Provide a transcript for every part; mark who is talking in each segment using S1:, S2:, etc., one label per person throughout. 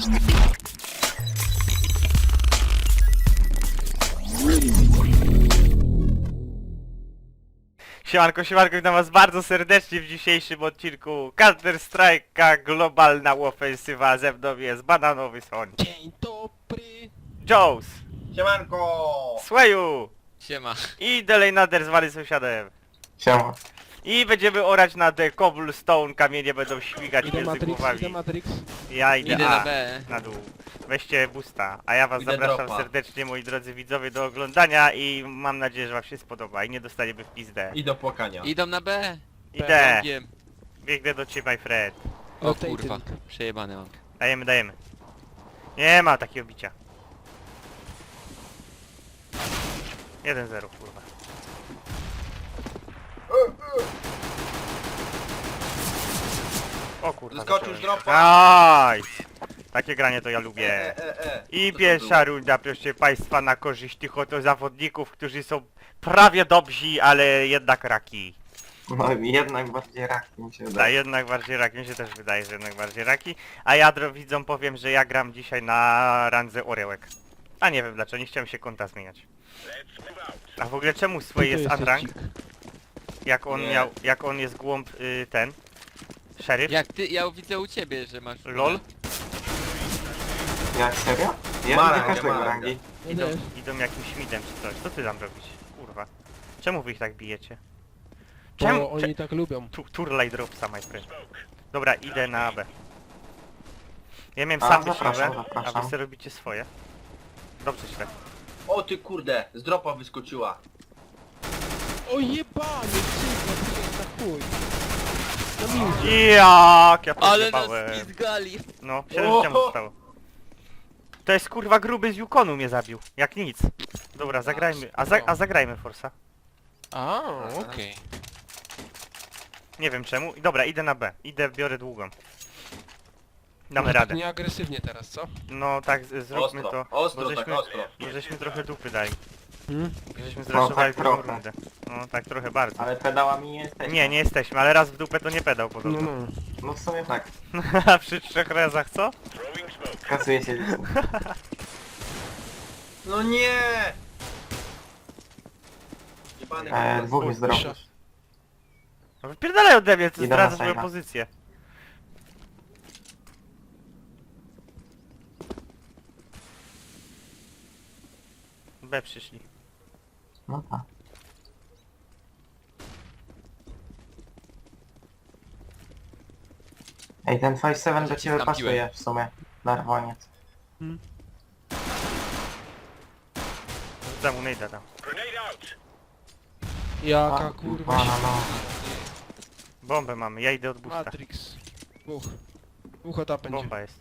S1: Siemanko, siemanko, witam was bardzo serdecznie w dzisiejszym odcinku Counter Strike'a Globalna Ofensywa. Ze mną jest Bananowy Soń,
S2: Dzień dobry.
S1: Joes,
S3: Siemanko!
S1: Swayu
S2: Siema.
S1: i Delenader zwany sąsiadem.
S3: Siema.
S1: I będziemy orać na The Cobblestone, kamienie będą śmigać
S2: Idę
S1: między
S2: Matrix,
S1: głowami.
S2: idę Matrix.
S1: Ja idę,
S2: Idę na B.
S1: na dół. Weźcie boosta, a ja was
S3: Idę
S1: zapraszam
S3: dropa.
S1: serdecznie, moi drodzy widzowie, do oglądania i mam nadzieję, że wam się spodoba i nie dostaniemy w pizdę.
S3: I do płakania.
S4: Idą na B.
S1: Idę,
S4: Wiem.
S1: biegnę do ciebie, my friend.
S4: O
S2: Rotating.
S4: kurwa, przejebane mam.
S1: Dajemy, dajemy. Nie ma takiego bicia. 1-0, kurwa. O kurwa.
S3: Zeskoczył z
S1: zacząłem.
S3: dropa.
S1: Nice! Takie granie to ja lubię. I
S3: Co to
S1: pierwsza
S3: było?
S1: runda, proszę państwa, na korzyść tych oto zawodników, którzy są prawie dobrzy, ale jednak raki.
S3: No jednak bardziej rak mi się
S1: Da,
S3: wydaje.
S1: jednak bardziej raki, mi się też wydaje, że jednak bardziej raki. A ja widzom powiem, że ja gram dzisiaj na randze orełek. A nie wiem dlaczego, nie chciałem się konta zmieniać. A w ogóle czemu swoje jest unrank? Jak on
S3: Nie.
S1: miał, jak on jest głąb ten? Szeryf?
S4: Jak ty, ja widzę u ciebie, że masz...
S1: LOL?
S3: Jak serio? Ja
S1: Ma
S3: nie
S1: rangę,
S3: każdego
S1: ma
S3: rangi.
S1: Idą, idą jakimś midem czy coś. Co ty tam robisz? Kurwa. Czemu wy ich tak bijecie?
S2: Bo
S1: Czemu?
S2: oni tak lubią.
S1: Turlaj dropsa, my friend. Dobra, idę na B. Ja miałem
S3: A,
S1: sam
S3: zapraszam,
S1: siłę, a
S3: zapraszam.
S1: wy sobie robicie swoje. Dobrze źle.
S3: O ty kurde, z dropa wyskoczyła.
S2: O jebany, kurwa, na chuj. Na minus.
S1: Jak ja
S4: Ale nas
S1: podjebałem.
S4: pizgali.
S1: No, 7 życia mu zostało. To jest kurwa gruby z Yukonu mnie zabił. Jak nic. Dobra, zagrajmy. A zagrajmy Forsa.
S2: A, okej.
S1: Nie wiem czemu. Dobra, idę na B. Idę, biorę długą. Damy radę.
S2: Nie agresywnie teraz, co?
S1: No tak, zróbmy
S3: Ostro,
S1: to.
S3: ostro
S1: bo
S3: tak,
S1: żeśmy,
S3: ostro.
S1: bo żeśmy trochę dupy dali.
S2: Hmm?
S1: Bo żeśmy
S3: No,
S1: zraszowali
S3: tak
S1: drugą
S3: trochę.
S1: rundę. No tak trochę bardzo.
S3: Ale pedałami nie jesteś.
S1: Nie, nie jesteśmy, ale raz w dupę to nie pedał
S2: No,
S1: podobno.
S2: no.
S3: No w sumie tak.
S1: A przy 3 razach co?
S3: Kasuje się licznik. No nie! Jebany
S1: No,
S3: dwóch jest dropa.
S1: No wypierdalaj ode mnie, to
S3: Idę na
S1: zdradza swoją
S3: save'a.
S1: pozycję. B przyszli.
S3: No tak. Ej, ten 5-7 do ciebie
S4: Tam
S3: pasuje
S4: piłem.
S3: w sumie. Narwoniec.
S1: Rzucam mu nejda tam.
S2: Jaka kurwa się...
S3: no.
S1: Bombę mamy, ja idę od busta.
S2: Matrix. Dwóch. Dwóch od A będzie.
S1: Bomba jest.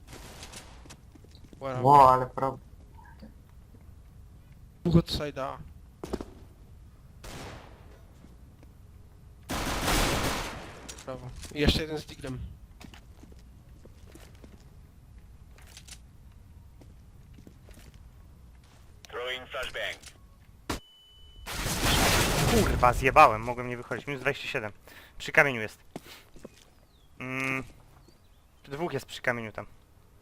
S2: Where
S3: Ło, ale problem.
S2: Dwóch od side'a A. Brawo. I jeszcze jeden z diglem.
S1: Kurwa, zjebałem, mogłem nie wychodzić. Minus 27. Przy kamieniu jest. Dwóch jest przy kamieniu tam.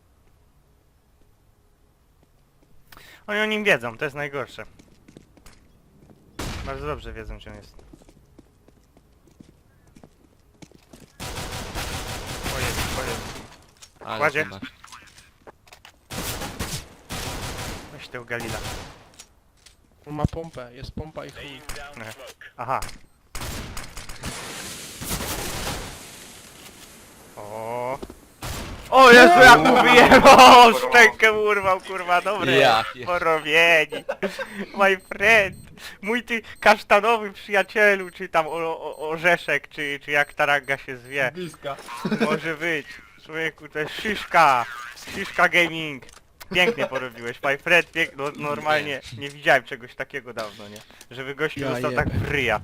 S1: Oni o nim wiedzą, to jest najgorsze. Bardzo dobrze wiedzą, gdzie on jest. O jest, o jest.
S4: Ale
S1: Kładzie.
S4: ty masz.
S1: Weź tego Galila.
S2: On ma pompę, jest pompa i chuj.
S1: Nie. Aha. O Jezu, jak mu wyjebał! Szczękę urwał, kurwa, dobre.
S4: Ja pier-
S1: Porobieni. My friend. Mój ty kasztanowy przyjacielu, czy tam orzeszek, czy jak ta ranga się zwie.
S3: Bliska.
S1: Może być. Człowieku, to jest Szyszka. Szyszka Gaming. Pięknie porobiłeś, my friend, no, normalnie nie widziałem czegoś takiego dawno, nie? Żeby gościu
S2: Ja
S1: został
S2: jebę.
S1: tak w ryja.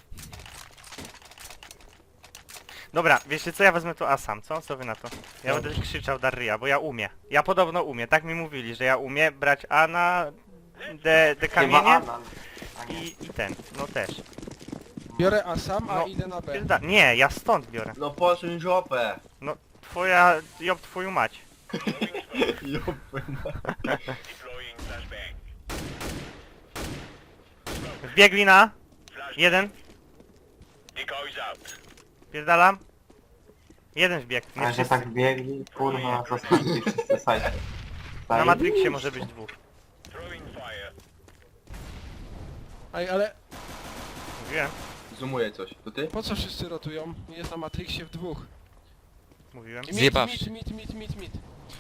S1: Dobra, wiecie co, ja wezmę to A sam, co? Co wy na to? Ja
S2: Dobrze.
S1: będę krzyczał Darryja, bo ja umiem. Ja podobno umiem, tak mi mówili, że ja umiem brać A na D kamienie
S3: Chyba Alan. A nie.
S1: i ten, no też.
S2: Biorę A sam, a
S1: No,
S2: idę na B.
S1: Nie, ja stąd biorę.
S3: No posuń żopę.
S1: No, twoja, job twoją mać. Wbiegli na... Jeden. Pierdalam. Jeden wbiegł. Nie
S3: A że
S1: wszyscy.
S3: tak biegli, kurwa, zostali wszyscy sajcie.
S1: Na Matrixie może być dwóch.
S2: Ej, ale
S1: Mówiłem.
S5: Zoomuje coś. To ty?
S2: po co wszyscy rotują? Jest na Matrixie w dwóch.
S1: Mówiłem.
S2: Mit,
S4: Zjebawszy.
S2: mit.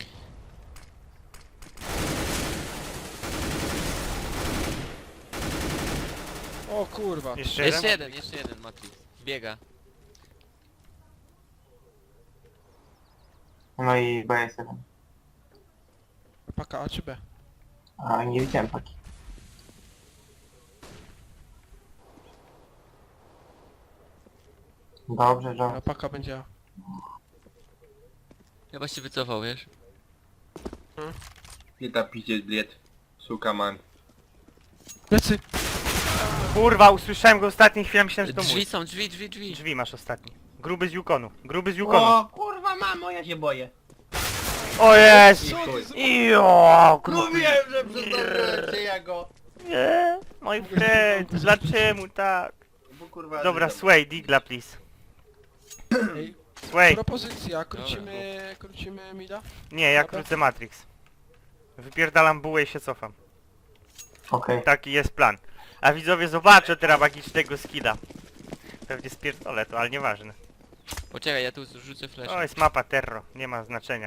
S2: O kurwa.
S1: Jeszcze
S4: Jeszcze
S1: jeden.
S4: jeden Matrix. Biega.
S3: No i BS1.
S2: Paka A czy B?
S3: A nie widziałem paki. Dobrze, że...
S2: A paka będzie A.
S4: Chyba się wycofał, wiesz?
S5: Nie ta piździec bliet. Suka man.
S2: Plecy!
S1: Kurwa, usłyszałem go ostatniej chwili, myślałem, że to
S4: Drzwi
S1: mój.
S4: są, drzwi.
S1: Drzwi masz ostatni. Gruby z Yukonu. Gruby z Yukonu.
S5: kurwa mamo, ja się boję.
S1: O jest!
S5: I chuj.
S1: Jo, gruby.
S5: Mówiłem, że przedobrę ja go.
S1: Nie, mój friend, dlaczego tak?
S5: Bo kurwa...
S1: Dobra,
S5: że-
S1: Sway, digla please.
S2: Ej,
S1: Sway.
S2: propozycja, krócimy mida?
S1: Nie, ja
S2: Dobra.
S1: krócę Matrix. Wypierdalam bułę i się cofam.
S3: Okej.
S1: Taki jest plan. A widzowie zobaczą teraz magicznego skilla. Pewnie spierdolę to, ale nieważne.
S4: Poczekaj, ja tu rzucę flash.
S1: O, jest mapa Terro, nie ma znaczenia.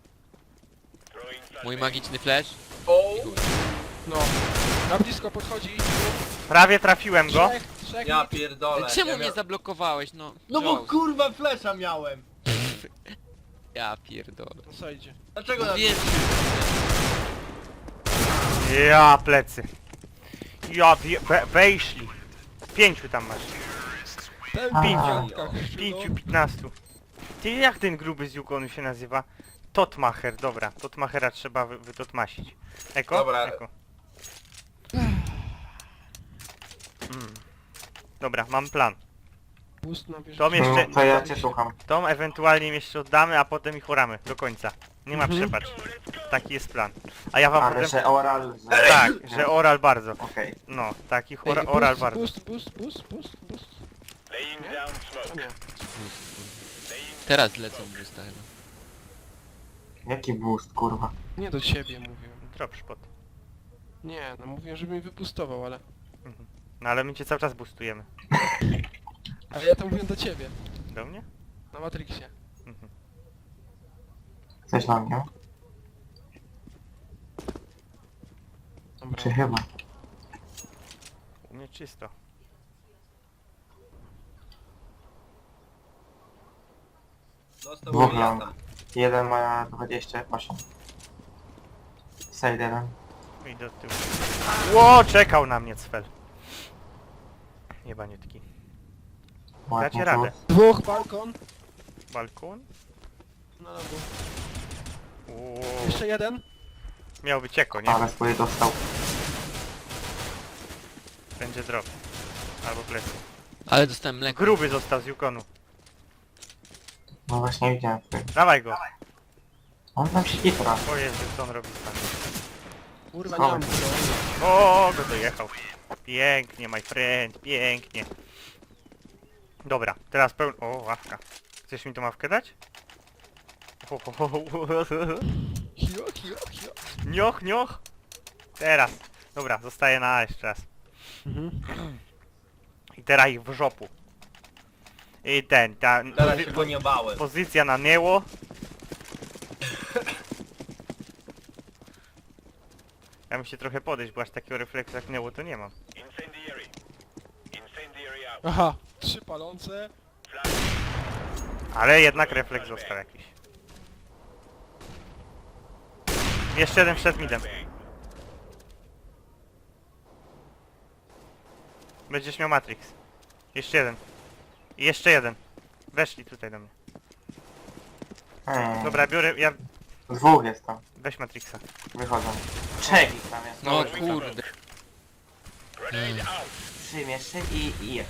S4: Mój magiczny flash.
S5: O!
S4: I chuj.
S2: No. Na blisko podchodzi.
S1: Prawie trafiłem go.
S2: Trzech
S5: Ja
S2: mit.
S5: pierdolę.
S4: Czemu
S5: ja
S4: mnie zablokowałeś, no?
S5: No bo
S4: Jones.
S5: kurwa flesza miałem.
S4: Ja pierdolę.
S2: Na sajdzie.
S5: Dlaczego na...
S4: Mówiłem,
S1: Ja plecy. Wejszli. 5 tam masz.
S2: Ten
S3: A.
S2: pięciątka.
S1: 5-15. Ty jak ten gruby z Yukonu się nazywa? Totmacher, dobra. Totmachera trzeba wytotmasić. Eko?
S5: Dobra.
S1: Eko. Dobra, mam plan.
S2: Boost na bieżąco.
S1: Tom jeszcze...
S3: To ja cię słucham.
S1: Tom ewentualnie im jeszcze oddamy, a potem ich oramy do końca. Nie ma
S2: Mhm.
S1: przepacz. Taki jest plan. A ja wam
S3: Ale
S1: potem...
S3: że oral... Że...
S1: Tak, że oral bardzo.
S3: Okej.
S1: No, takich
S2: Ej,
S1: oral
S2: boost,
S1: bardzo.
S2: Boost. Nie? A nie.
S4: teraz lecą boosta chyba.
S3: Jaki boost, kurwa.
S2: Nie do ciebie mówiłem.
S1: Drop spot.
S2: Nie, no mówiłem, żeby mi wypustował, ale...
S1: No ale my cię cały czas boostujemy.
S2: Ale ja to mówiłem do ciebie.
S1: Do mnie?
S2: Na Matrixie.
S3: Coś na mnie?
S2: Dobra.
S3: Czy chyba?
S1: U mnie czysto.
S5: Dostał
S3: Dwóch
S5: miliarda.
S3: long. Jeden ma 28. Side jeden.
S1: I do tyłu. Ło, czekał na mnie cfel. Jebaniutki.
S3: Ładnie
S1: radę.
S3: tu.
S2: Dwóch, balkon.
S1: Balkon?
S2: Na lewo.
S1: Ło.
S2: Jeszcze jeden.
S1: Miał być eko, nie?
S3: Ale swoje dostał.
S1: Będzie drop. Albo plecy.
S4: Ale dostałem mleko.
S1: Gruby został z Yukonu.
S3: No właśnie widziałem swoje.
S1: Dawaj go.
S3: On tam siedzi teraz.
S1: O Jezu, co on robi tam.
S2: Kurwa, nie mam
S3: Schowaj.
S2: go.
S1: O, go dojechał. Pięknie, my friend, pięknie. Dobra, teraz O, ławka. Chcesz mi tą ławkę dać?
S2: Hio.
S1: Nioch, nioch. Teraz. Dobra, zostaje na A jeszcze raz.
S2: Mhm.
S1: I teraz ich w żopu. I ta
S5: Teraz się go nie bałem.
S1: pozycja na nieło. Ja muszę trochę podejść, bo aż takiego refleksu jak nieło to nie mam.
S2: Aha. 3 palące.
S1: Ale jednak refleks został jakiś. Jeszcze jeden przed midem. Będziesz miał Matrix. Jeszcze jeden. I jeszcze jeden. Weszli tutaj do mnie. Dobra, biorę, ja...
S3: Dwóch jest tam.
S1: Weź Matrixa.
S3: Wychodzą. Trzech ich tam jest.
S4: No kurde.
S3: Przymieszczy i jest.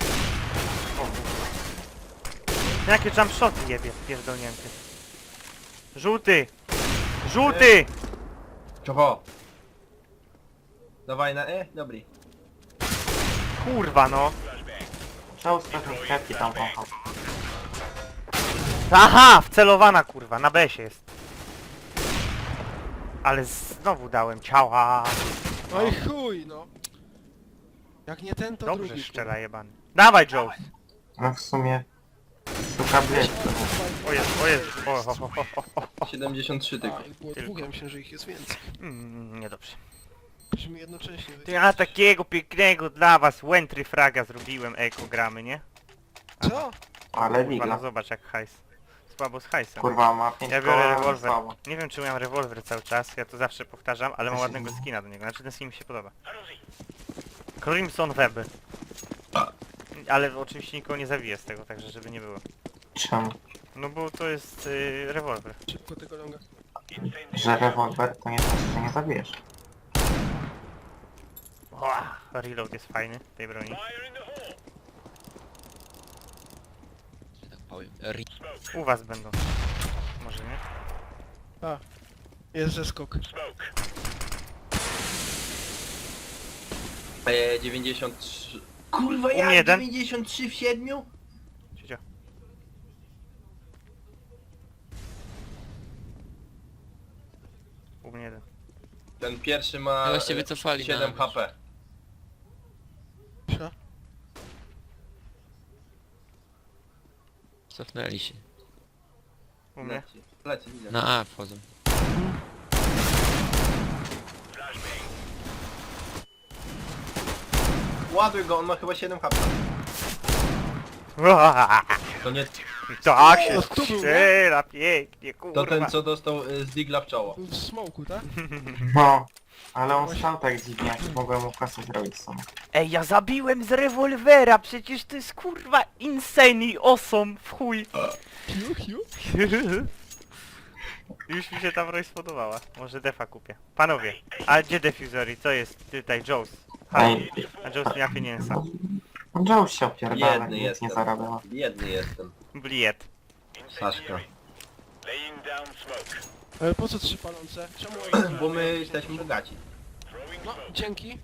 S1: Jakie jump shoty jebie, pierdolnięty. Żółty! Żółty!
S5: Czego? Dawaj na E? Dobry.
S1: Kurwa no.
S3: Czoł z pewnej kredki tam wąchał.
S1: Aha! Wcelowana kurwa, na B się jest. Ale znowu dałem ciała.
S2: No i chuj, no. Jak nie ten, to
S1: Dobrze
S2: drugi.
S1: szczela jebany. Dawaj Joe!
S3: No w sumie... Szuka bled.
S1: O Jezu, o Jezu. O.
S5: 73 tylko.
S2: A, ich było dwóch, ja myślę, że ich jest więcej.
S1: Niedobrze.
S2: Musimy jednocześnie
S1: To ja takiego pięknego dla was Wentry fraga zrobiłem, eko gramy, nie?
S2: Co?
S3: Ale
S1: Kurwa, no
S3: ligla.
S1: zobacz jak hajs. Słabo z hajsem.
S3: Kurwa, ma 5
S1: Ja biorę
S3: koła,
S1: rewolwer.
S3: słabo.
S1: Nie wiem czy miałem rewolwer cały czas, ja to zawsze powtarzam, ale mam
S3: Ja się
S1: ładnego
S3: nie-
S1: skina do niego, znaczy ten skin mi się podoba. Crimson Web. Ale oczywiście nikogo nie zabiję z tego, także żeby nie było.
S3: Czemu?
S1: No bo to jest rewolwer.
S2: Szybko tego longa.
S3: Że rewolwer to nie znaczy, że nie zabijesz.
S1: Reload jest fajny tej broni.
S4: Że tak powiem.
S1: U was będą. Może nie?
S2: Jest zeskok.
S5: 93... Kurwa,
S1: U mnie
S5: ja
S1: jeden.
S5: 93 w 7?
S1: Siedział. U mnie jeden.
S5: Ten pierwszy ma
S4: No właśnie wycofali
S5: 7
S4: na
S5: HP.
S2: Sia.
S4: Cofnęli się.
S1: U mnie.
S5: Leci, widzę.
S4: Na A wchodzą.
S5: Ładuj go, on ma chyba 7 HP. To nie...
S1: Tak się
S2: O, tu był, nie?
S1: strzela pięknie,
S5: To
S1: kurwa.
S5: ten co dostał z digla w czoło.
S2: Był w smoku, tak?
S3: No. Ale on stał tak dziwnie, jak mogłem mu kasę zrobić sam.
S1: Ej, ja zabiłem z rewolwera, przecież to jest kurwa insane awesome w chuj.
S2: Hiu, hiu.
S1: Już mi się ta broń spodobała. Może defa kupię. Panowie, a gdzie defuzory? Co jest tutaj? Joes. Halo.
S3: Ej,
S1: A Joes miała pieniędzy.
S3: no Joe się opierdala,
S5: Jedny
S3: nic
S5: jestem.
S3: nie zarabiała.
S5: Jedny jestem.
S1: Bliet.
S5: Saszka.
S2: Ale po co 3 palące? Czemu oni...
S5: Bo my jesteśmy bogaci.
S2: No, dzięki.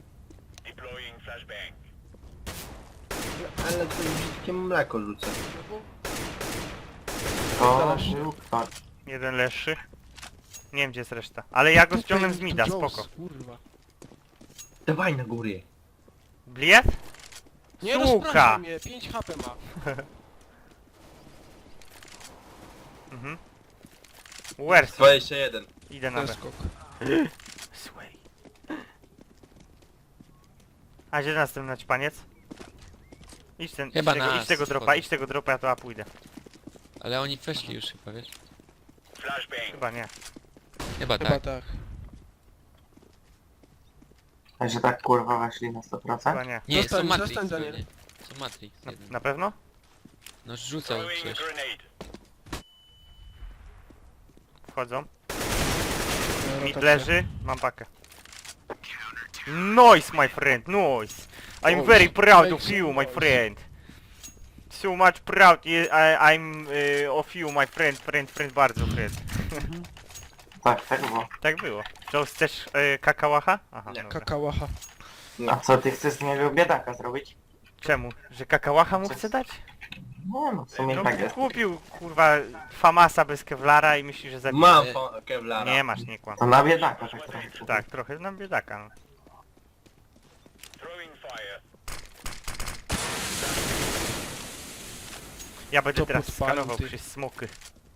S5: Ale to brzydkie mleko rzucę.
S2: No bo...
S3: To
S2: Zaraz się.
S3: był ktoś.
S1: Jeden leższy. Nie wiem gdzie jest reszta. Ale ja go
S2: Tutaj
S1: ściągnę z
S2: tu
S1: mida,
S2: Jones,
S1: spoko.
S2: Kurwa.
S5: Dawaj na górę.
S1: Bliet?
S2: Nie
S1: Suka!
S2: rozpraszaj mnie, 5 HP ma.
S1: Mhm. Where's?
S5: 21.
S1: Idę na B.
S2: Zeskok.
S1: Sway. A gdzie następny naćpaniec? Idź ten,
S4: Chyba
S1: idź tego,
S4: na
S1: idź tego
S4: A
S1: dropa,
S4: schodzą.
S1: idź tego dropa, ja to A pójdę.
S4: Ale oni weszli już chyba, wiesz?
S1: Chyba nie.
S4: Chyba
S2: Chyba
S4: tak.
S2: tak.
S3: A że tak kurwa weszli na 100%?
S1: Chyba nie.
S4: Nie,
S2: Zostań,
S4: są Matrix
S2: zostań, Daniel.
S4: pewnie. Są Matrix jeden.
S1: Na pewno?
S4: No rzucał przecież.
S1: Wchodzą.
S2: Rotacja.
S1: Mid leży, mam pakę. Nice my friend, nice! I'm
S2: Oh,
S1: very proud
S2: thanks
S1: of
S2: so
S1: you my
S2: much.
S1: friend. So much proud I'm of you my friend, bardzo friend.
S3: Tak, tak było.
S1: Tak było. Joe, chcesz kakałacha? Aha,
S5: Nie.
S1: dobra.
S2: Kakałacha.
S3: A co, ty chcesz z niego biedaka zrobić?
S1: Czemu? Że kakałacha mu
S3: Co-
S1: chce dać?
S3: No, no w sumie
S1: No
S3: tak jest.
S1: kupił kurwa famasa bez kevlara i myśli, że zabije.
S5: Mam Kevlara.
S1: Nie masz, nie kłam.
S3: To na biedaka tak trochę.
S1: Tak, trochę nam biedaka. No. Ja będę
S2: To
S1: teraz
S2: podpalił,
S1: skanował
S2: ty.
S1: przez smoky.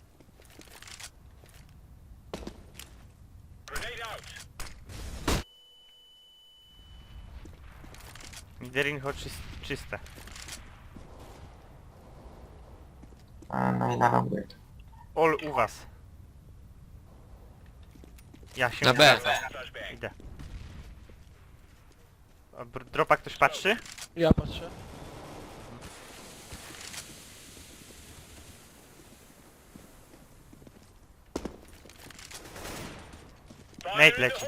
S1: Miderinho czyste.
S3: No i na robię.
S1: All u was. Ja się
S4: Na B.
S1: wracam. Idę. A dropa ktoś patrzy?
S2: Ja patrzę.
S1: Nate leci.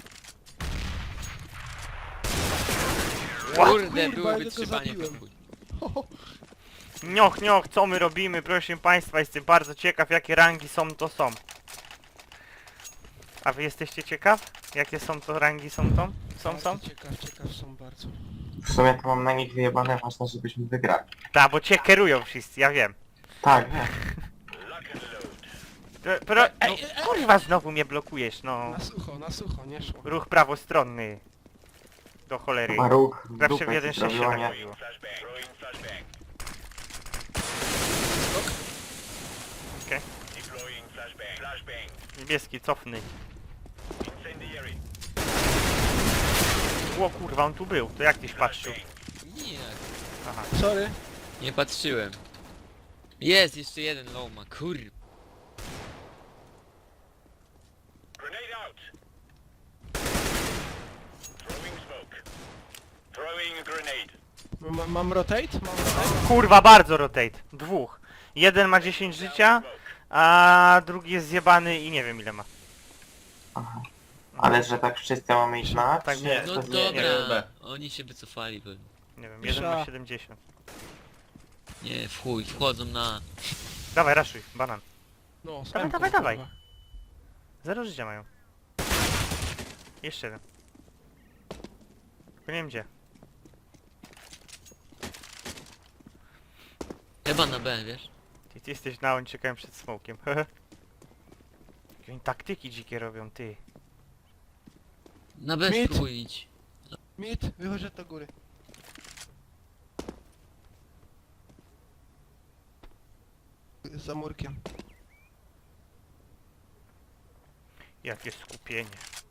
S4: Kurde,
S2: ja
S4: było
S2: go
S4: wytrzymanie
S2: zabiłem.
S4: po chuj.
S1: Nioch, nioch, co my robimy? Proszę państwa, jestem bardzo ciekaw jakie rangi są to są. A wy jesteście ciekaw? Jakie są to rangi są to? Są?
S2: Bardzo ciekaw są bardzo.
S3: W sumie to mam na nich wyjebane, ważne żebyśmy wygrali.
S1: Tak, bo cię kierują wszyscy, ja wiem.
S3: Tak, wiem.
S1: Ej, kurwa, znowu mnie blokujesz, no.
S2: Na sucho, nie szło.
S1: Ruch prawostronny. Do cholery.
S3: Chyba ruch w
S1: Zawsze w
S3: dupę ci
S1: 1.6 się
S3: zrobiło,
S1: tak
S3: nie?
S1: chodziło. Okej. Niebieski, cofnij. O kurwa, on tu był. To jak tyś patrzył?
S4: Nie,
S1: Aha.
S2: Sorry.
S4: nie patrzyłem. Jest, jeszcze jeden low ma, kur...
S2: Mam rotate? Mam rotate?
S1: Kurwa, bardzo rotate. Dwóch. Jeden ma 10 życia, a drugi jest zjebany i nie wiem ile ma.
S3: Aha. Ale że tak wszyscy mamy iść na A,
S1: Tak
S3: czy
S1: nie.
S4: No
S3: to nie-
S4: dobra, oni się wycofali pewnie.
S1: Nie wiem, jeden ma
S2: Pisza.
S1: 70.
S4: Nie, w chuj, wchodzą na...
S1: Dawaj, raszuj, banan.
S2: No,
S1: Dawaj. Zero życia mają. Jeszcze jeden. Tylko nie wiem gdzie.
S4: Chyba na B, wiesz?
S1: Ty jesteś na on, czekałem przed smokiem. Jakie oni taktyki dzikie robią, ty.
S4: Na B
S2: Mid.
S4: spróbuj iść.
S2: Mid, wychodź do góry. Za murkiem.
S1: Jakie skupienie.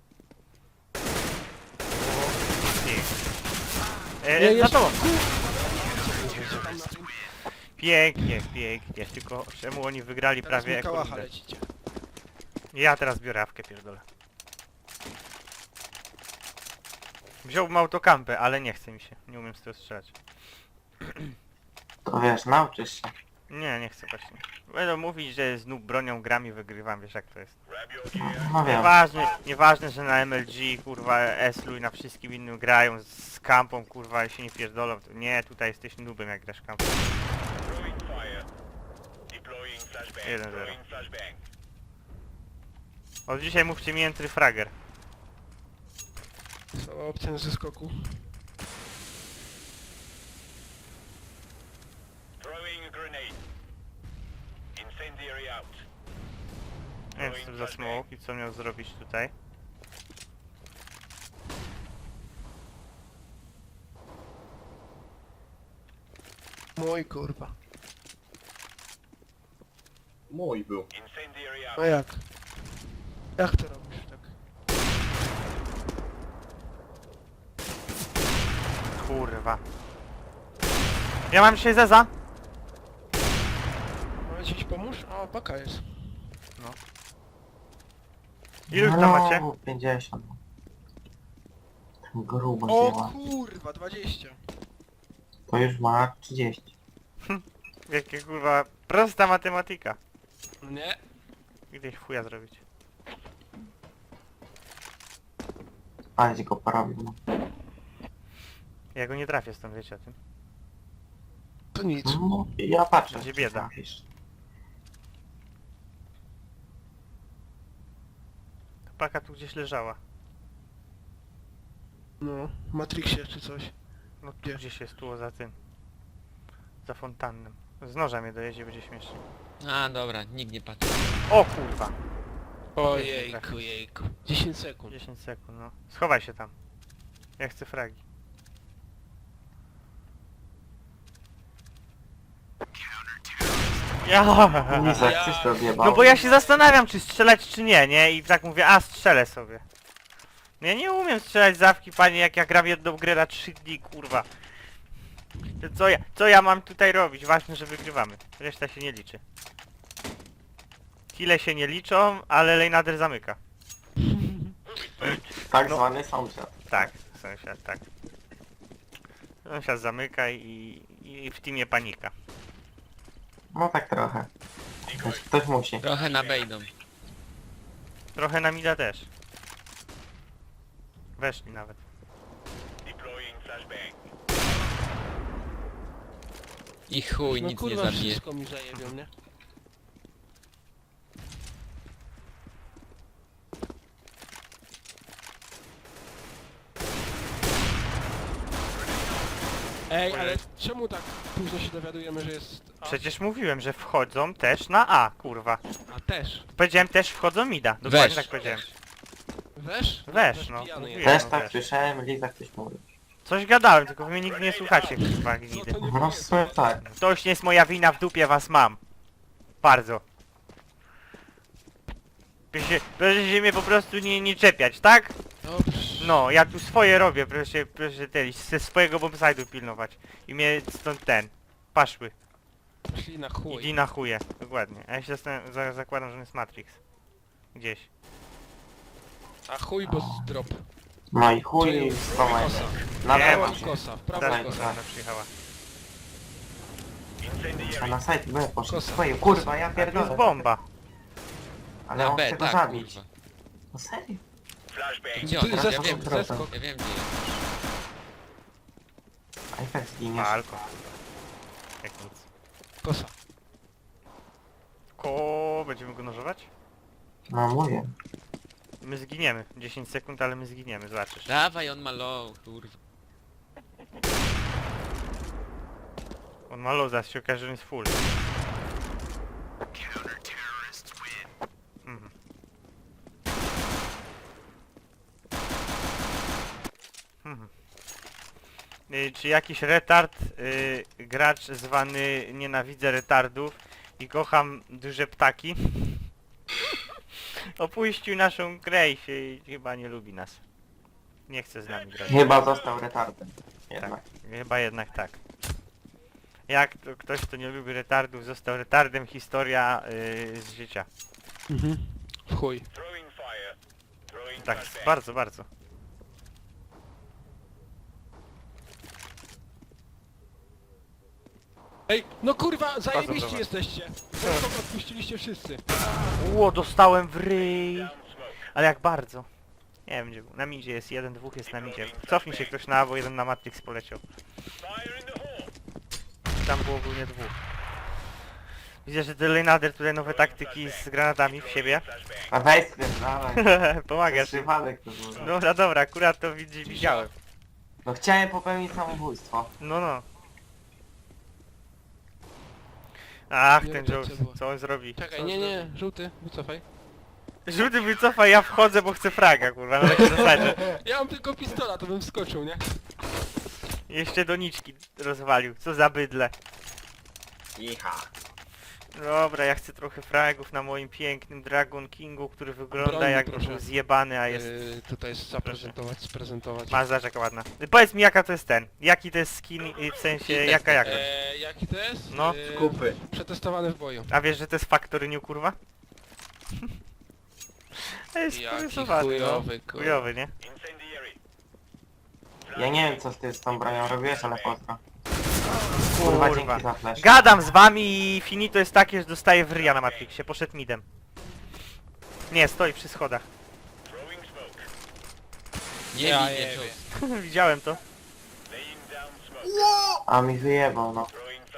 S1: Ty. Za tobą.
S2: Tam na tym.
S1: Pięknie, pięknie. Tylko czemu oni wygrali
S2: Teraz
S1: prawie
S2: mu kałacha
S1: rundę?
S2: lecicie.
S1: Ja teraz biorę awkę, pierdolę. Wziąłbym autokampę, ale nie chce mi się. Nie umiem z tego strzelać.
S3: To wiesz, nauczysz się.
S1: Nie chcę właśnie. Będą mówić, że z noob bronią gram i wygrywam, wiesz jak to jest.
S3: No wiem.
S1: Nieważne, że na MLG, kurwa, Eslu i na wszystkim innym grają z kampą, kurwa, i się nie pierdolą. To nie, tutaj jesteś noobem jak grasz kampą. 1-0. Od dzisiaj mówcie mi entry fragger.
S2: Są opcje ze skoku.
S1: Nie wiem co to za smoke i co miał zrobić tutaj.
S2: Mój kurwa.
S5: Mój był.
S2: No jak? Jak to robisz tak?
S1: Kurwa. Ja mam dzisiaj Zeza.
S2: Mamy ci pomóż? O, baka jest.
S1: Ilu ich tam macie?
S3: 50. Ten grubo
S2: O
S3: zjeba.
S2: kurwa, 20.
S3: To już ma 30.
S1: Jakie kurwa prosta matematyka.
S2: Nie.
S1: Gdzieś chuja zrobić.
S3: Ale ci go porobił. No.
S1: Ja go nie trafię stąd, wiecie o tym.
S2: To nic.
S3: No, ja patrzę.
S1: Będzie
S3: czy
S1: bieda.
S3: trafisz.
S1: Ta paka tu gdzieś leżała.
S2: No, w Matrixie czy coś.
S1: No tu
S2: Gdzie?
S1: gdzieś jest, tu za tym. Za fontannem. Z noża mnie dojedzie, będzie śmiesznie.
S4: A, dobra, nikt nie patrzy.
S1: O kurwa!
S2: Ojejku, jejku. 10 sekund.
S1: 10 sekund, no. Schowaj się tam. Ja chcę fragi. Ja.
S3: Lizak, coś to odjebał.
S1: No bo ja się zastanawiam, czy strzelać, czy nie, nie? I tak mówię, a strzelę sobie. No ja nie umiem strzelać z awki, panie, jak ja gram jedną grę na 3 dni, kurwa. To co ja mam tutaj robić? Ważne, że wygrywamy. Reszta się nie liczy. Kile się nie liczą, ale Lejnader zamyka.
S3: Tak
S1: no.
S3: zwany sąsiad.
S1: Tak, sąsiad, tak. Sąsiad zamyka i w teamie panika.
S3: No tak trochę. Ktoś musi.
S4: Trochę na B idą.
S1: Trochę na mida też. Weszli nawet.
S4: I chuj,
S2: No
S4: nic nie
S2: kurwa,
S4: zabije.
S2: wszystko mi zajebią, nie? Ej, ale czemu tak późno się dowiadujemy, że jest...
S1: Przecież mówiłem, że wchodzą też na A, kurwa.
S2: A też.
S1: Powiedziałem też wchodzą mida. Dokładnie
S4: Wesz.
S1: tak powiedziałem.
S2: Wesz?
S1: Wesz, no.
S2: pijany
S1: Mówiłem.
S2: jest.
S3: Też
S1: no
S3: tak
S1: wiesz.
S3: słyszałem, Liza ktoś mówi.
S1: Coś gadałem, tylko wy mnie nigdy nie słuchacie, kurwa,
S2: No
S1: gnidy.
S2: to nie
S3: No w sumie tak.
S1: To już nie jest moja wina, w dupie was mam. Bardzo. Proszę się mnie po prostu nie czepiać, tak?
S2: Dobrze.
S1: No, ja tu swoje robię, proszę ze swojego bombside'u pilnować. I mnie stąd paszły.
S2: Szli na chuj.
S1: Idź na chuje, dokładnie. A ja się zakładam, że on jest Matrix. Gdzieś.
S2: A chuj, bo drop.
S3: No i chuj,
S2: Czyli
S3: schowaj.
S2: kosa.
S3: Na
S1: Nie,
S3: prawo
S1: mam
S3: się.
S2: Kosa, w prawo
S1: Tak,
S2: i kosa.
S1: ona przyjechała.
S3: A na site B poszedł
S2: Kosa.
S3: swoje. Kurwa, ja
S1: To jest
S3: pierdolę.
S1: bomba.
S3: Ale
S4: Na
S3: on
S4: B,
S3: chce go
S4: tak,
S3: zabić.
S4: kurwa.
S3: No serio?
S4: Gdzie
S2: Tu
S4: on?
S2: jest
S4: Ja
S2: zeskok,
S4: wiem,
S2: zeskok.
S4: ja wiem gdzie jest.
S3: A i tak zginiesz.
S1: Alko. Jak nic.
S2: Kosa.
S1: Będziemy go nożować?
S3: No mówię.
S1: My zginiemy. 10 sekund, ale my zginiemy, zobaczysz.
S4: Dawaj, on ma low, kurwa.
S1: On ma low, zaraz się okaże, że on jest full. Mhm. Mhm. Czy jakiś retard, gracz zwany nienawidzę retardów i kocham duże ptaki, opuścił naszą grę i chyba nie lubi nas. Nie chce z nami grać.
S3: Chyba został retardem. Jednak.
S1: Tak, chyba jednak tak. Jak to ktoś, kto nie lubi retardów, został retardem, historia z życia.
S2: Mhm. W chuj.
S1: Tak, bardzo, bardzo.
S2: Ej, no kurwa,
S1: Chodzą do
S2: zajebiści
S1: was.
S2: jesteście. Zeskok odpuściliście wszyscy.
S1: Ło, dostałem w ryj. Ale jak bardzo. Nie wiem gdzie był. Na midzie jest jeden, dwóch jest na midzie. Cofnij się ktoś na A, bo jeden na Matrix poleciał. Tam było ogólnie dwóch. Widzę, że Lenader tutaj nowe taktyki z granatami w siebie.
S3: A weź spierdalaj.
S1: Pomagasz.
S3: Przypadek to był.
S1: Dobra, dobra, akurat to widziałem.
S3: No chciałem popełnić samobójstwo.
S1: No, no. Ach,
S2: Nie
S1: ten
S2: wiem,
S1: Joe,
S2: co było.
S1: co on zrobi?
S2: Czekaj,
S1: Co on
S2: nie,
S1: zrobi?
S2: nie, żółty, wycofaj.
S1: Żółty wycofa, ja wchodzę, bo chcę fraga, kurwa, na takiej zasadzie.
S2: Ja mam tylko pistola, to bym wskoczył, nie?
S1: Jeszcze doniczki rozwalił, co za bydle.
S3: Iha.
S1: Dobra, ja chcę trochę fragów na moim pięknym Dragon Kingu, który wygląda
S2: Broń,
S1: jakby
S2: proszę.
S1: był zjebany, a jest...
S2: Tutaj jest zaprezentować, sprezentować.
S1: Ma zobacz, jaka ładna. Powiedz mi jaka to jest ten, jaki to jest skin, w sensie jaka jakość.
S2: Jaki to jest?
S1: No.
S3: Kupy.
S2: Przetestowany w boju.
S1: A wiesz, że to jest Factory New, kurwa? To jest
S2: Jaki
S1: porysowany,
S2: chujowy,
S1: no.
S2: kurwa.
S1: Chujowy, nie?
S3: Ja nie wiem co ty z tą bronią robiłeś, ale pozdro. Kurwa,
S1: Kurwa.
S3: dzięki za flash.
S1: Gadam z wami i finito jest takie, że dostaję w ryja na Matrixie, poszedł midem. Nie, stoi przy schodach.
S4: Nie
S2: Ja
S4: widzę,
S2: jebie.
S4: Joe.
S1: Widziałem to.
S3: A mi wyjebał, no.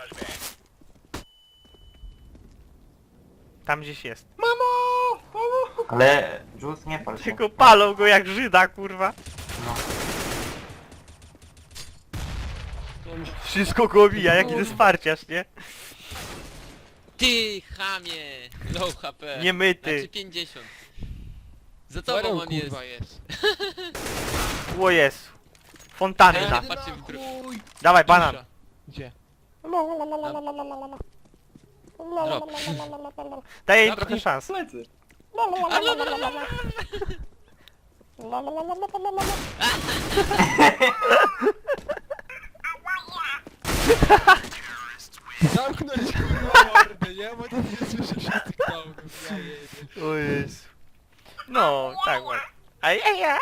S1: Tam gdzieś jest.
S3: Ale Jules nie pal się.
S1: Tylko palą go jak Żyda, kurwa.
S3: No.
S1: Wszystko go obija, jaki to jest farciarz, nie?
S4: Ty, chamie! Low HP.
S1: Niemyty.
S4: Znaczy 50. Za tobą
S2: Baron,
S4: on jest.
S2: kurwa jest.
S1: O Jezu. Fontanna.
S4: Ja patrzę w drugą.
S1: Dawaj, banan.
S2: Cisza. Gdzie?
S4: Drop.
S1: Daję im
S4: Dobra.
S1: trochę szans.
S3: Plecy.
S2: Zamknąć kurwa mordę, nie? Bo to nie słyszę wszystkich downów, ja jebie.
S1: O Jezu. No, tak ładnie. ja.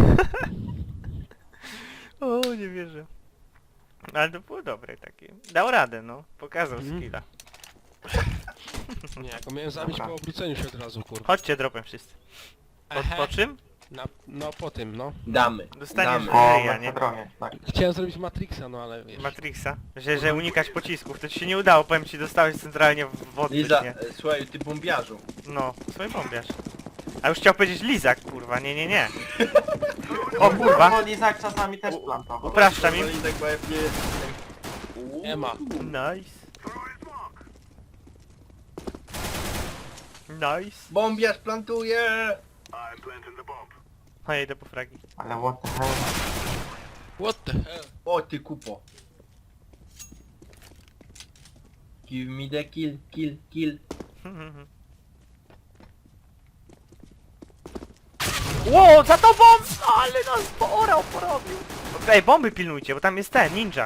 S1: O, nie wierzę. Ale to było dobre takie. Dał radę, no. Pokazał
S2: Mhm.
S1: skilla.
S2: Nie, jak go miałem zabić
S3: Dobra.
S2: po obróceniu się od razu, kurwa.
S1: Chodźcie dropem wszyscy. Po czym?
S2: No po tym, no.
S5: Damy.
S1: Dostaniesz
S5: Damy.
S3: O,
S1: ryja,
S3: na
S1: nie?
S3: hadronie, tak.
S2: Chciałem zrobić Matrixa, no ale wiesz.
S1: Matrixa. Że unikać pocisków. To ci się nie udało, powiem ci, dostałeś centralnie w odbyt,
S5: Liza,
S1: nie?
S5: słuchaj, ty bombiarzu.
S1: No, swój bombiarz. A już chciał powiedzieć lizak, kurwa, nie. O kurwa,
S3: Bo Lizak czasami też plantował.
S1: upraszczam im.
S5: Lizak, bo ja nie jestem.
S2: Nie ma.
S1: Nice. Nice.
S5: Bombiarz plantuje!
S1: A ja idę po fragi.
S3: Ale what the hell?
S2: What the hell?
S5: O ty kupo. Give me the kill, kill, kill.
S1: Ło, za tobą! Ale nas porał, porobił. Ej, bomby pilnujcie, bo tam jest ten, ninja.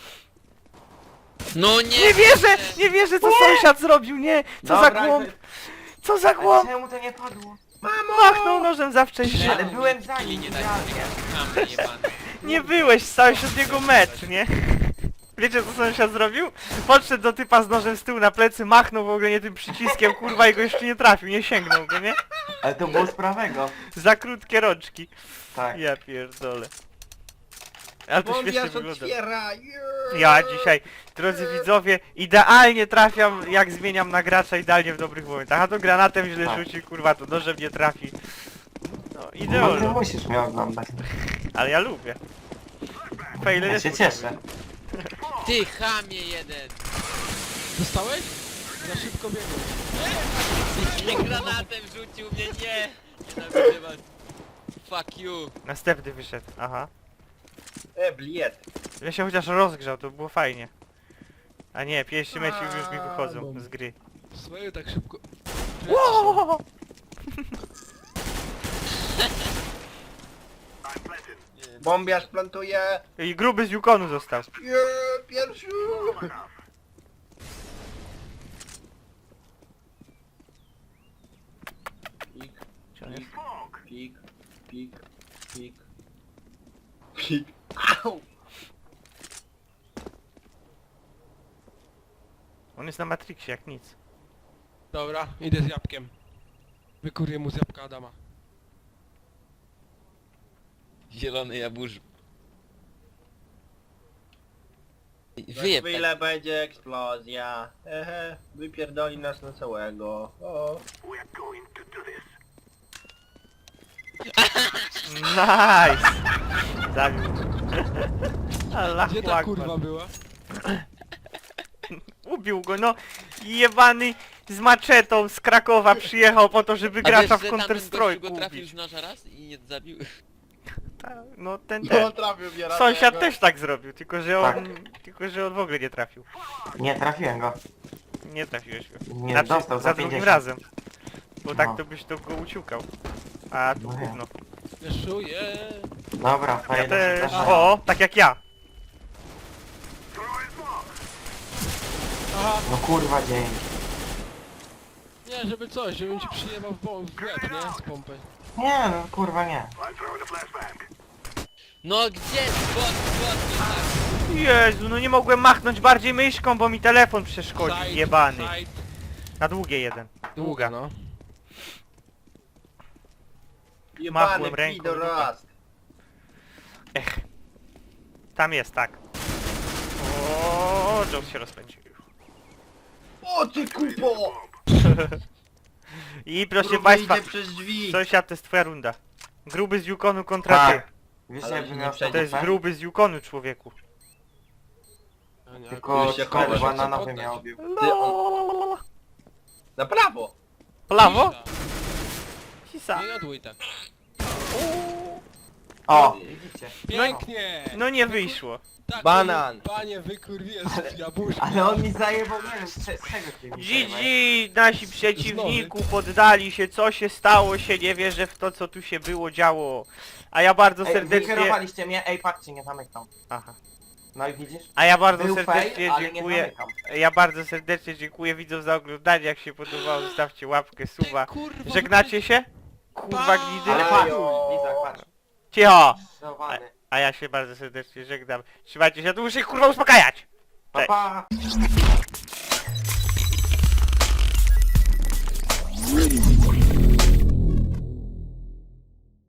S4: No nie!
S1: Nie wierzę, co sąsiad zrobił, nie! Co za
S3: Dobra,
S1: głąb! Co za
S3: Ale
S1: głąb!
S3: czemu to nie padło?
S1: Machnął nożem za wcześnie.
S3: Ale byłem za
S4: Kili
S3: nim,
S4: nie daj
S3: idealnie.
S4: sobie jebany.
S1: Nie byłeś, stałeś od niego metr, nie? Wiecie co sąsiad zrobił? Podszedł do typa z nożem z tyłu na plecy, machnął w ogóle nie tym przyciskiem, kurwa, i go jeszcze nie trafił, nie sięgnął go, nie?
S3: Ale to było z prawego.
S1: Za krótkie rączki.
S3: Tak.
S1: Ja pierdolę. Ale to świetnie
S5: Bombiarz
S1: wygląda.
S5: otwiera! Yeah.
S1: Ja dzisiaj, drodzy widzowie, idealnie trafiam, jak zmieniam na gracza, idealnie w dobrych momentach. A to granatem źle
S3: Tak.
S1: rzuci, kurwa, to nożem nie trafi. No,
S3: No ty
S1: idealnie.
S3: musisz mnie oglądać.
S1: Ale ja lubię. Fejle
S3: Ja
S1: jest
S3: się cieszę.
S4: Ty chamie jeden!
S2: Dostałeś? Za szybko biegłeś.
S4: Nie granatem rzucił mnie, nie! Nienawidzę was. Fuck you.
S1: Następny wyszedł, aha.
S5: Bliet.
S1: Ja się chociaż rozgrzał, to było fajnie. A nie, pierwszy mecz już mi wychodzą z gry.
S2: Swoje tak szybko.
S1: Ło!
S5: Bombiarz plantuje!
S1: I gruby z Yukonu został.
S5: Yeah, pierwszy! Pik,
S1: Gdzie on jest?
S5: pik, pik, pik, pik. Au!
S1: On jest na Matrixie jak nic.
S2: Dobra, idę z jabłkiem. Wykurię mu z jabłka Adama.
S4: Zielony jabłusz.
S5: Za
S4: Wyjeb
S5: chwilę będzie eksplozja. Ehe, wypierdoli nas na całego. O.
S1: Nice! Zabił. Allah
S2: Gdzie ta kurwa była?
S1: Ubił go, no. Jebany z maczetą z Krakowa przyjechał po to, żeby gracza w Counter-Strike
S4: go trafił
S1: ubić.
S4: z noża raz i nie zabił.
S1: No ten
S5: No
S1: ten.
S5: trafił mnie raz.
S1: Sąsiad
S5: tego.
S1: też tak zrobił, tylko że on...
S3: Tak.
S1: Tylko że on w ogóle nie trafił.
S3: Nie trafiłem go.
S1: Nie trafiłeś go.
S3: Nie
S1: Znaczy,
S3: dostał
S1: za
S3: za
S1: drugim
S3: 50.
S1: razem. Bo tak
S3: No.
S1: to byś to go uciukał. A tu
S3: No nie.
S1: gówno.
S2: Wieszuję.
S3: Dobra,
S1: Ja
S3: fajnie.
S1: też... O, tak jak ja.
S2: Aha,
S3: No kurwa dzień.
S2: nie, żeby coś, żebym ci przyjebał w łeb, nie? Z pompy.
S3: Nie, no kurwa nie.
S4: No gdzie? Skąd? Tak.
S1: Jezu, no nie mogłem machnąć bardziej myszką, bo mi telefon przeszkodzi,
S2: Side,
S1: jebany.
S2: side.
S1: Na długie jeden.
S2: Długa, no.
S1: Machłem
S5: Jebany
S1: ręką,
S5: pidorast.
S1: Ech. Tam jest, tak. O, Jones się rozpędził.
S5: O ty kupo!
S1: I proszę
S5: Gruby
S1: państwa,
S5: idzie przez drzwi.
S1: sąsiad, to jest twoja runda. Gruby z Yukonu kontra ty.
S3: Tak. Wiesz
S5: Ale
S3: jakby
S5: nie
S3: miał
S5: przejdzie,
S1: To jest
S3: tak?
S1: gruby z Yukonu, człowieku.
S3: Tylko
S5: Już się
S3: sklepy
S5: chowasz,
S3: bananowe
S2: chcę
S3: miał.
S5: Ty, Na prawo!
S1: Prawo? Sisa.
S2: Nie jadłuj tak.
S3: O, widzicie.
S2: Pięknie!
S1: No nie wyszło.
S2: Tak,
S5: Banan.
S2: Panie wykurwię z jabłuszka.
S3: Ale on mi zajebał, nie wiem, z czego ty mi zajebałeś.
S1: GG, nasi przeciwniku poddali się, co się stało się, nie wierzę w to, co tu się było działo. A ja bardzo
S3: Ej,
S1: serdecznie...
S3: wykierowaliście mnie, ej patrzcie, nie zamykam.
S1: Aha.
S3: No i widzisz?
S1: A ja bardzo
S3: Był
S1: serdecznie
S3: fail, ale nie
S1: dziękuję.
S3: zamykam.
S1: Ja bardzo serdecznie dziękuję widzom za oglądanie, jak się podobało, zostawcie łapkę, suba.
S2: kurwa,
S1: Żegnacie się? Kurwa gnidy.
S3: Ale
S5: Ajo.
S3: patrz, Lizak, patrz.
S1: Cicho!
S3: Załamany.
S1: A ja się bardzo serdecznie żegnam. Trzymajcie się, tu muszę ich kurwa uspokajać!
S3: Pa, pa.
S5: Ready.